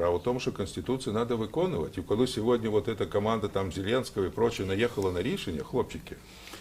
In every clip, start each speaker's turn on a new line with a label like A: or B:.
A: Справа в тому, що Конституцію треба виконувати. І коли сьогодні вот эта команда там Зеленського і прочее наїхала на рішення, хлопчики,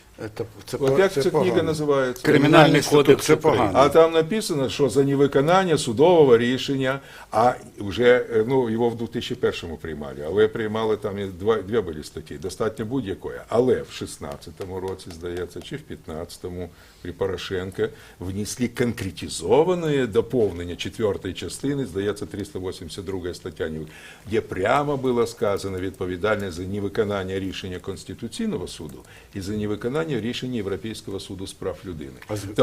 A: от як ця книга називається?
B: Кримінальний кодекс, це погано.
A: А там написано, що за невиконання судового рішення, а вже, ну, його в 2001-му приймали, але приймали там і дві були статті, достатньо будь-якої. Але в 16-му році, здається, чи в 15-му при Порошенко внесли конкретизоване доповнення 4-ї частини, здається, 382 стаття, де прямо було сказано відповідальність за невиконання рішення Конституційного суду і за невиконання рішення Європейського суду з прав людини.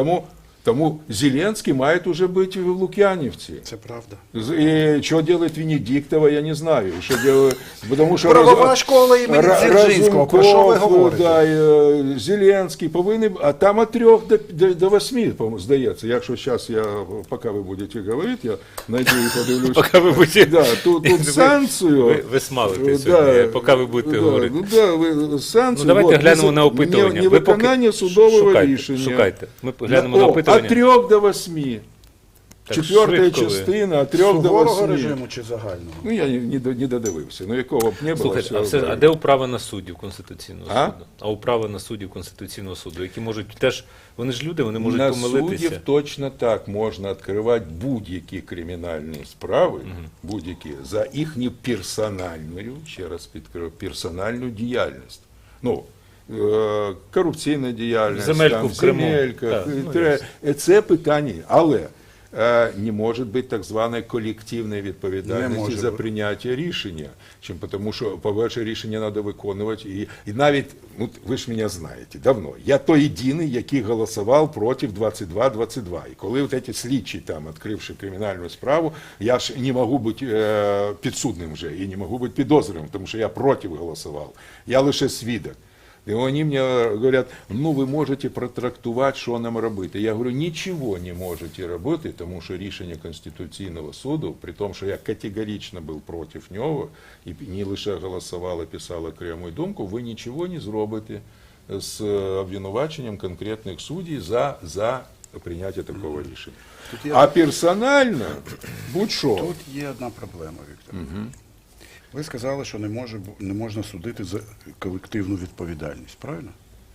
A: Тому Зеленський має вже бути в Лук'янівці.
B: Це правда.
A: І що робить Венедіктова, я не знаю. Що робить, тому що
B: Правова школа імені Дзержинського, про що ви говорите?
A: Да, Зеленський повинен, а там від 3 до 8, здається. Якщо зараз поки ви будете говорити, я знайду і подивлюсь.
C: Поки ви будете...
A: Да, тут санкцію.
C: Ви смалите сьогодні, поки ви будете говорити.
A: Ну, да, санкцію.
C: Ну, давайте глянемо на опитування.
A: Невиконання судового рішення.
C: Шукайте. Ми глянемо на опитування.
A: От 3 до 8. Четверта частина, от 3 до 8.
B: Суворого режиму чи загального?
A: Ну, я не додивився. Ну, якого б не було.
C: Слухайте, а де управа на суддів Конституційного суду? А управа на суддів Конституційного суду, які можуть теж, вони ж люди, вони можуть помилитися.
A: На суддів точно так можна відкривати будь-які кримінальні справи, будь-які, за їхню персональну, ще раз підкриваю, персональну діяльність. Ну, корупційна діяльність,
C: земельку в Криму.
A: Земелька, це питання, але не може бути так званої колективної відповідальності за прийняття рішення. Тому що, по-перше, рішення треба виконувати. І навіть, ну, ви ж мене знаєте, давно, я той єдиний, який голосував проти 22-22. І коли от ці слідчі, там, відкривши кримінальну справу, я ж не можу бути підсудним вже, і не можу бути підозрюваним, тому що я проти голосував. Я лише свідок. И они мне говорят, ну вы можете протрактувати, що нам робити. Я говорю, нічого не можете робити, тому що рішення Конституційного суду, при тому, що я категорично був проти нього, і не лише голосував, а писав окрему думку, ви нічого не зробите з обвинуваченням конкретних суддів за прийняття такого рішення. А персонально, будь-що.
B: Тут є одна проблема, Віктор. Ви сказали, що не можна судити за колективну відповідальність, правильно?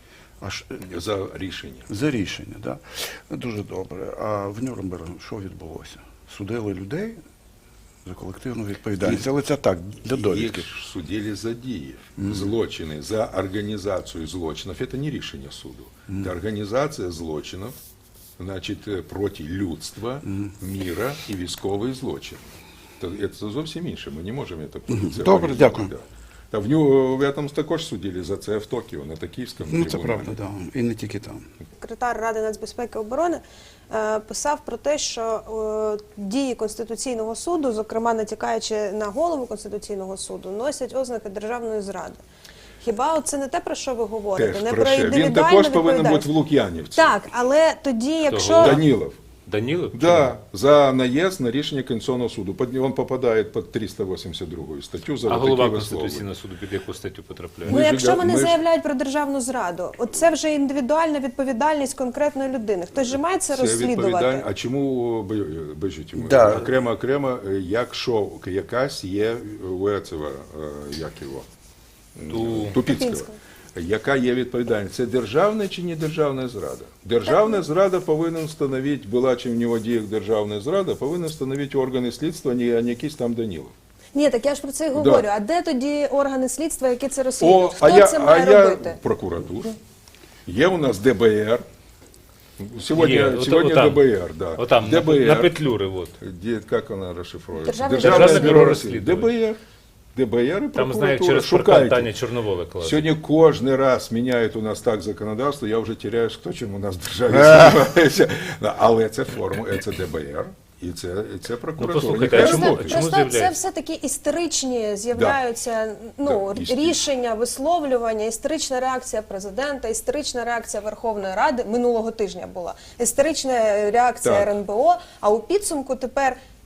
A: За рішення.
B: За рішення, так. Да. Дуже добре. А в Нюрнбергу що відбулося? Судили людей за колективну відповідальність. Але це так, для довідки.
A: Їх судили за дії, злочини, за організацію злочинів. Це не рішення суду. Це організація злочинів, значить, проти людства, міра і військовий злочин. Це зовсім інше, ми не можемо це поліція.
B: Добре, дякую.
A: Та в нього там також судили за це в Токіо, на Токійському трибуналі.
B: Ну, це правда, так. Да. І не тільки там.
D: Секретар Ради нацбезпеки і оборони писав про те, що дії Конституційного суду, зокрема натякаючи на голову Конституційного суду, носять ознаки державної зради. Хіба це не те, про що ви говорите?
A: Теж
D: не
A: про
D: індивідуальну
A: він також повинен бути в Лук'янівці.
D: Так, але тоді, якщо...
A: Данілов.
C: Данілов?
A: Да, за наезд на рішення Конституційного суду. Він попадає під 382 статтю за
C: а
A: такі
C: голова
A: вислови.
C: Конституційного суду під яку статтю потрапляє?
D: Ну, якщо вони заявляють про державну зраду, це вже індивідуальна відповідальність конкретної людини. Хтось же має це розслідувати.
A: А чому, бачите,
B: Да.
A: окремо, якщо якась є у Ецева, як його? Тупіцького. Яка є відповідальність? Це державна чи не державна зрада? Державна зрада повинен встановити, була чи в нього діях державна зрада, повинен встановити органи слідства, а не якийсь там Данілов.
D: Ні, так я ж про це і говорю. Да. А де тоді органи слідства, які це розслідують? Хто це має робити?
A: Прокуратура. Є у нас ДБР. Сьогодні ДБР, да.
C: Отам,
A: ДБР.
C: на Петлюри, вот.
A: Як вона розшифровується?
D: Державне
C: бюро розслідувань.
A: ДБР і
C: Там, знаю,
A: прокуратура.
C: через Таня Чорновола клали.
A: Сьогодні кожен раз міняють у нас так законодавство, я вже теряю, хто чим у нас в державі займається. Але це форма, це ДБР. І це прокуратура.
C: Ну, послухайте, а чому
D: це все-таки істеричні з'являються рішення, висловлювання, істерична реакція президента, істерична реакція Верховної Ради минулого тижня була, істерична реакція РНБО, а у підсумку тепер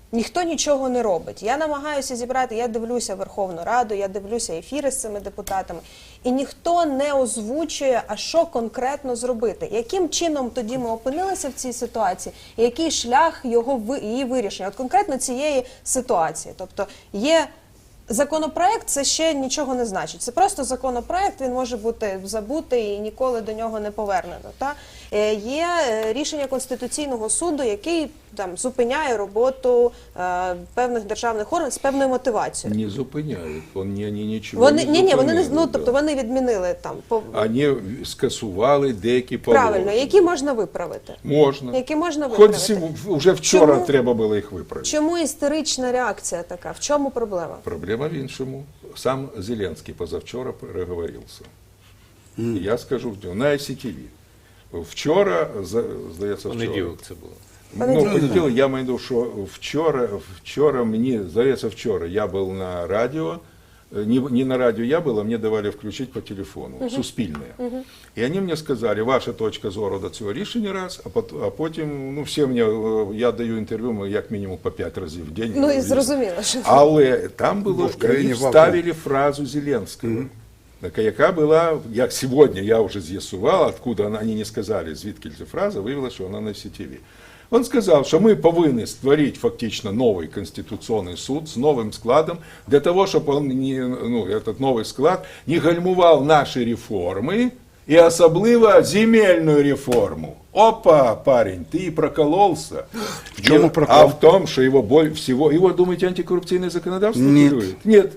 D: ніхто нічого не робить. Я намагаюся зібрати, я дивлюся Верховну Раду, я дивлюся ефіри з цими депутатами, і ніхто не озвучує, а що конкретно зробити. Яким чином тоді ми опинилися в цій ситуації, і який шлях її вирішення? От конкретно цієї ситуації. Тобто є законопроект, це ще нічого не значить. Це просто законопроект, він може бути забутий і ніколи до нього не повернено. Є рішення Конституційного суду, який там зупиняє роботу певних державних органів з певною мотивацією.
A: Не зупиняють, вони нічого не
D: Вони
A: зупинили.
D: тобто вони відмінили там.
A: Вони скасували деякі положення.
D: Правильно, які можна виправити.
A: Можна.
D: Які можна
A: Хоч
D: виправити.
A: вже вчора
D: Чому?
A: треба було їх виправити.
D: Чому істерична реакція така? В чому проблема?
A: Проблема в іншому. Сам Зеленський позавчора переговорився. Я скажу на ICTV. Вчора, здається,
C: Понеділок це було.
A: Понеділок, я маю в виду, що вчора мені, здається, вчора я був на радіо, не на радио я был, а мне давали включить по телефону, суспільне. І вони мені сказали, ваша точка зору до цього рішення раз, а потім, ну, всі мені, я даю інтерв'ю, як мінімум по 5 разів в день.
D: Ну і зрозуміло, що...
A: Але там було,
B: в країні
A: вставили фразу Зеленського, яка була, як сьогодні я вже з'ясував, откуда вони не сказали, звідки ця фраза, виявилося, що вона на CTV. Он сказал, что мы повинны створить фактично новый конституционный суд с новым складом, для того, чтобы он этот новый склад не гальмував наши реформы и особливо земельную реформу. Опа, парень, ты и прокололся.
B: В чому прокол?
A: А в том, что его боль всего... Его, думаете, антикоррупционное законодавство
B: Нет.
A: курирует? Нет.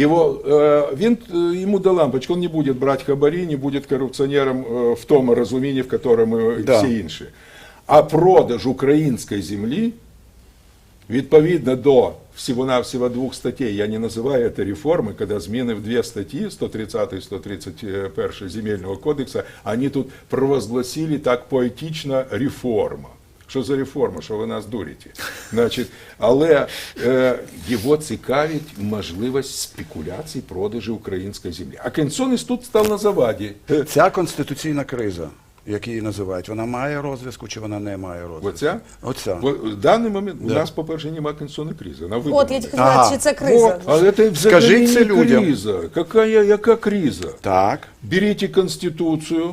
A: Ему до лампочки, он не будет брать хабари, не будет коррупционером в том разумении, в котором
B: Да.
A: все інші. А продаж української землі, відповідно до всього-навсього 2 статей, я не називаю це реформи, коли зміни в 2 статті, 130 і 131 Земельного кодексу, вони тут провозгласили так поетично реформа. Що за реформа, що ви нас дурите? Значить, але його цікавить можливість спекуляцій продажу української землі. А Конституційний суд став на заваді.
B: Ця конституційна криза, як її називають, вона має розв'язку чи вона не має розв'язку?
A: Оця?
B: Оця.
A: В даний момент у нас, по-перше, немає конституційної кризи. Вона
D: От, я
A: видумана.
D: тільки хотіла, чи це криза?
A: Вот, а это
B: Скажіть це
A: взагалі не
B: людям.
A: криза. Яка криза?
B: Так.
A: Беріть Конституцію,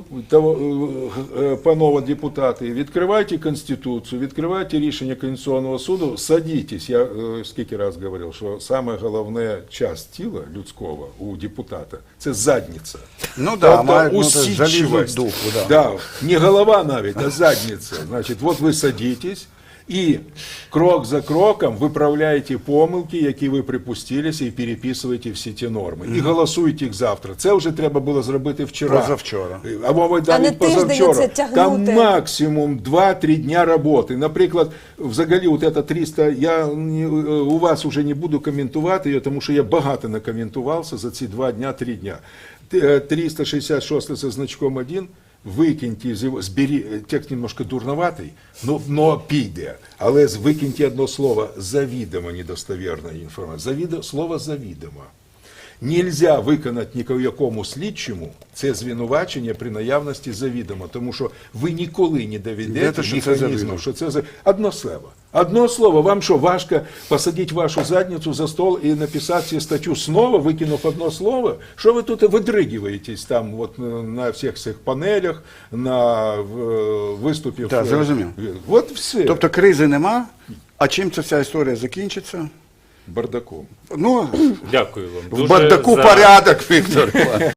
A: панове депутати, відкривайте Конституцію, відкривайте рішення Конституційного суду, садитесь. Я скільки раз говорив, що саме головна частина тіла людського у депутата – це задниця.
B: Ну да,
A: Тобто
B: має залізну
A: усидчивість.
B: духу, да.
A: Да, не голова навіть, а задниця. Значить, от ви садитесь, і крок за кроком виправляєте помилки, які ви припустилися, і переписуєте всі ті норми. І голосуєте їх завтра. Це вже треба було зробити вчора.
B: Позавчора.
A: Або
D: А не
A: навіть
D: тиждень
A: позавчора.
D: оце тягнути.
A: Там максимум 2-3 дня роботи. Наприклад, взагалі, от це 300, у вас вже не буду коментувати її, тому що я багато накоментувався за ці 2 дня, 3 дня. 366 со значком 1, викиньте из его, текст немножко дурноватий, но піде. Але викиньте одно слово «завідомо недостовірна інформація». Слово «завідомо». Нельзя виконати ніякому слідчому це звинувачення при наявності завідомо, тому що ви ніколи не доведете
B: що це
A: механізму,
B: завідомо.
A: що це одно слово. Одно слово. Вам що, важко посадити вашу задницю за стол і написати цю статтю знову, викинув одно слово? Що ви тут видригуєтесь там от, на всіх цих панелях, на виступів?
B: Так, зрозумів.
A: От все.
B: Тобто кризи нема, а чим ця вся історія закінчиться?
A: Бардаком.
B: Ну,
C: Дякую вам.
B: в бардаку порядок, Віктор.